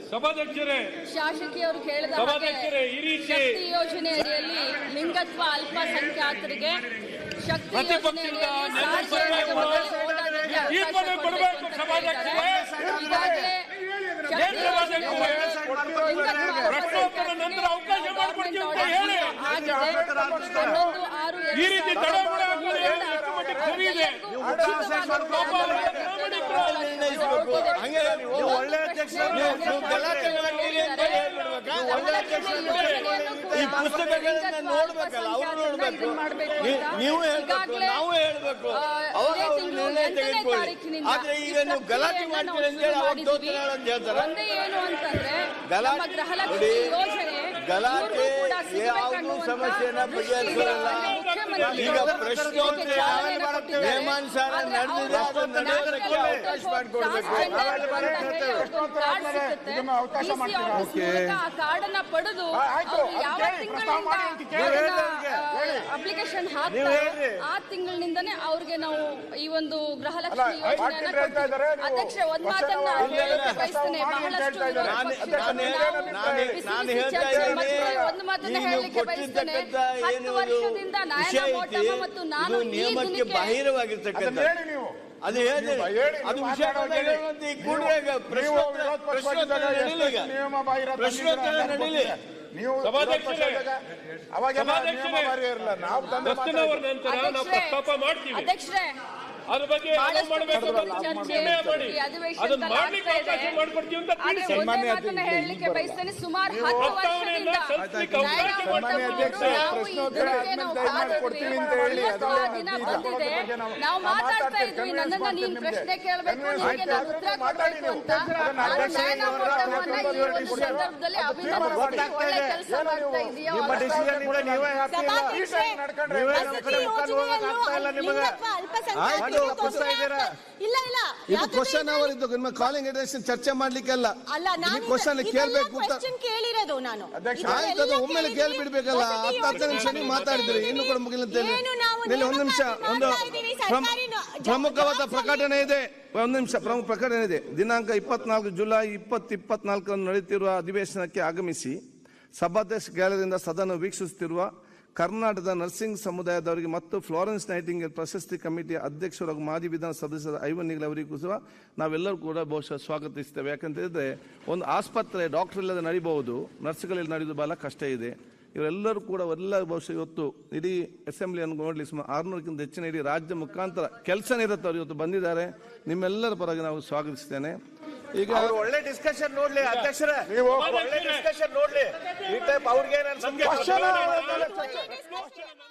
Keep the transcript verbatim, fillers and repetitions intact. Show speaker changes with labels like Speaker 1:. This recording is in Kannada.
Speaker 1: ಸಭಾಧ್ಯಕ್ಷರೇ,
Speaker 2: ಶಾಸಕಿಯವರು ಕೇಳಿದ ಹಾಗೆ ಶಕ್ತಿ ಯೋಜನೆ ಅಡಿಯಲ್ಲಿ ಲಿಂಗತ್ವ ಅಲ್ಪಸಂಖ್ಯಾತರಿಗೆ ಶಕ್ತಿ ಯೋಜನೆಯಲ್ಲಿ
Speaker 1: ಈ ರೀತಿ
Speaker 3: ಈ ಪುಸ್ತಕಗಳನ್ನ ನೋಡ್ಬೇಕಲ್ಲ, ಅವ್ರು ನೋಡ್ಬೇಕು, ನೀವು ಹೇಳ್ಬೇಕು, ನಾವು ಹೇಳ್ಬೇಕು, ಅವಾಗ ಅವ್ರು ನಿರ್ಣಯ ತೆಗೆದುಕೊಳ್ಳಿ. ಆದ್ರೆ ಈಗ ನೀವು ಗಲಾಟೆ ಮಾಡ್ತೀರಿ ಅಂತ ಹೇಳಿ ಅವಾಗ ದೋತ್ರ ಅಂತ ಹೇಳ್ತಾರೆ. ಗಲಾಟೆ ಗಲಾಟೆ ಯಾವುದು ಸಮಸ್ಯೆನ ಬಗೆಹರಿಸಲ್ಲ. ಈಗ ಪ್ರಶ್ನೋತ್ತರ ನಿಯಮಾನುಸಾರ ನಡೆದಿದೆ, ಅದು ನಡೆಯೋದಕ್ಕೆ ಅವಕಾಶ ಮಾಡಿಕೊಡ್ಬೇಕು.
Speaker 2: ಕಾರ್ಡನ್ನ ಪಡೆದು ಯಾವ ತಿಂಗಳಿಂದ ಅಪ್ಲಿಕೇಶನ್ ಹಾಕ್ತಾರೆ ಆ ತಿಂಗಳಿನಿಂದನೇ ಅವ್ರಿಗೆ ನಾವು ಈ ಒಂದು ಗೃಹಲಕ್ಷ್ಮಿ ಯೋಜನೆಯನ್ನ ಅಧ್ಯಕ್ಷ ಒಂದ್ ಮಾತನ್ನ ಹೇಳಕ್ಕೆ ಬಯಸ್ತೇನೆ. ಬಹಳಷ್ಟು ಒಂದು ಮಾತನ್ನ ಹೇಳಲಿಕ್ಕೆ ಬಯಸ್ತೇನೆ. ಹತ್ತು ವರ್ಷದಿಂದ ನಯನ ಮೋಟಮ್ಮ ಮತ್ತು ನಾನು
Speaker 3: ನಿಯಮಕ್ಕೆ ಬಾಹಿರವಾಗಿರ್ತಕ್ಕಂಥ ಅದು ಹೇಳಿ ಅದು ವಿಷಯ ಪ್ರಶ್ನೋತ್ತರ ನಡೀಲಿ.
Speaker 1: ನೀವು ಪ್ರಸ್ತಾಪ ಮಾಡ್ತೀವಿ, ಅದ್ರ ಬಗ್ಗೆ
Speaker 2: ಹೇಳಲಿಕ್ಕೆ ಬಯಸ್ತೇನೆ. ಸುಮಾರು ಹತ್ತು ವರ್ಷದಿಂದ ನಾವು ಮಾತಾಡ್ತಾ ಇದ್ವಿ. ನನ್ನನ್ನ ನೀನ್ ಪ್ರಶ್ನೆ ಕೇಳಬೇಕು, ನಿಮಗೆ ನಾನು ಉತ್ತರ ಕೊಡಬೇಕು ಅಂತ. ಸಂದರ್ಭದಲ್ಲಿ ಒಳ್ಳೆ ಕೆಲಸ ಮಾಡ್ತಾ ಇದೆಯೋ
Speaker 4: ಇದು ಕ್ವಶನ್ ಅವರ್ ಇದ್ದು ನಿಮ್ಮ ಕಾಲಿಂಗ್ ಅಟೆನ್ಷನ್ ಚರ್ಚೆ ಮಾಡ್ಲಿಕ್ಕೆ ಅಲ್ಲ, ಕ್ವಶನ್ ಕೇಳಬೇಕು ಅಂತ
Speaker 5: ಕೇಳಿರೋದು ನಾನು.
Speaker 4: ಆಯ್ತು, ಅದು ಒಮ್ಮೆಲೆ ಕೇಳ್ಬಿಡ್ಬೇಕಲ್ಲ. ಹತ್ತು ಹತ್ತು ನಿಮಿಷ ನೀವು ಮಾತಾಡಿದ್ರಿ, ಇನ್ನು ಕೂಡ ಮುಗಿಲ್ಲ ಅಂತ ಹೇಳಿ. ಒಂದು ನಿಮಿಷ, ಒಂದು ಪ್ರಮುಖವಾದ ಪ್ರಕಟಣೆ ಇದೆ. ಒಂದು ನಿಮಿಷ, ಪ್ರಮುಖ ಪ್ರಕಟಣೆ ಇದೆ. ದಿನಾಂಕ ಇಪ್ಪತ್ನಾಲ್ಕು ಜುಲೈ ಇಪ್ಪತ್ತು ಇಪ್ಪತ್ನಾಲ್ಕರಂದು ನಡೆಯುತ್ತಿರುವ ಅಧಿವೇಶನಕ್ಕೆ ಆಗಮಿಸಿ ಸಭಾಧ್ಯಕ್ಷ ಗ್ಯಾಲರಿಯಿಂದ ಸದನ ವೀಕ್ಷಿಸುತ್ತಿರುವ ಕರ್ನಾಟಕದ ನರ್ಸಿಂಗ್ ಸಮುದಾಯದವರಿಗೆ ಮತ್ತು ಫ್ಲಾರೆನ್ಸ್ ನೈಟಿಂಗೇಲ್ ಪ್ರಶಸ್ತಿ ಕಮಿಟಿಯ ಅಧ್ಯಕ್ಷರು ಹಾಗೂ ಮಾಜಿ ವಿಧಾನ ಸದಸ್ಯರ ಐವನ್ ನಿಗಲ್ ಅವರಿಗೂ ಸಹ ನಾವೆಲ್ಲರೂ ಕೂಡ ಬಹುಶಃ ಸ್ವಾಗತಿಸ್ತೇವೆ. ಯಾಕಂತ ಹೇಳಿದ್ರೆ ಒಂದು ಆಸ್ಪತ್ರೆ ಡಾಕ್ಟರ್ ಇಲ್ಲದೆ ನಡೀಬಹುದು, ನರ್ಸ್ಗಳಲ್ಲಿ ನಡೆಯೋದು ಬಹಳ ಕಷ್ಟ ಇದೆ. ಇವರೆಲ್ಲರೂ ಕೂಡ ಎಲ್ಲ ಬಹುಶಃ ಇವತ್ತು ಇಡೀ ಅಸೆಂಬ್ಲಿಯನ್ನು ನೋಡಲಿ ಸುಮಾರು ಆರುನೂರಕ್ಕಿಂತ ಹೆಚ್ಚಿನ ಇಡೀ ರಾಜ್ಯ ಮುಖಾಂತರ ಕೆಲಸ ನಿರತವರು ಇವತ್ತು ಬಂದಿದ್ದಾರೆ. ನಿಮ್ಮೆಲ್ಲರ ಪರವಾಗಿ ನಾವು ಸ್ವಾಗತಿಸ್ತೇನೆ.
Speaker 3: ಈಗ ಒಳ್ಳೆ ಡಿಸ್ಕಷನ್ ನೋಡ್ಲಿ ಅಧ್ಯಕ್ಷರೇ, ನೀವು ಒಳ್ಳೆ ಡಿಸ್ಕಷನ್ ನೋಡ್ಲಿ. ಈ ಟೈಪ್ ಅವ್ರಿಗೆ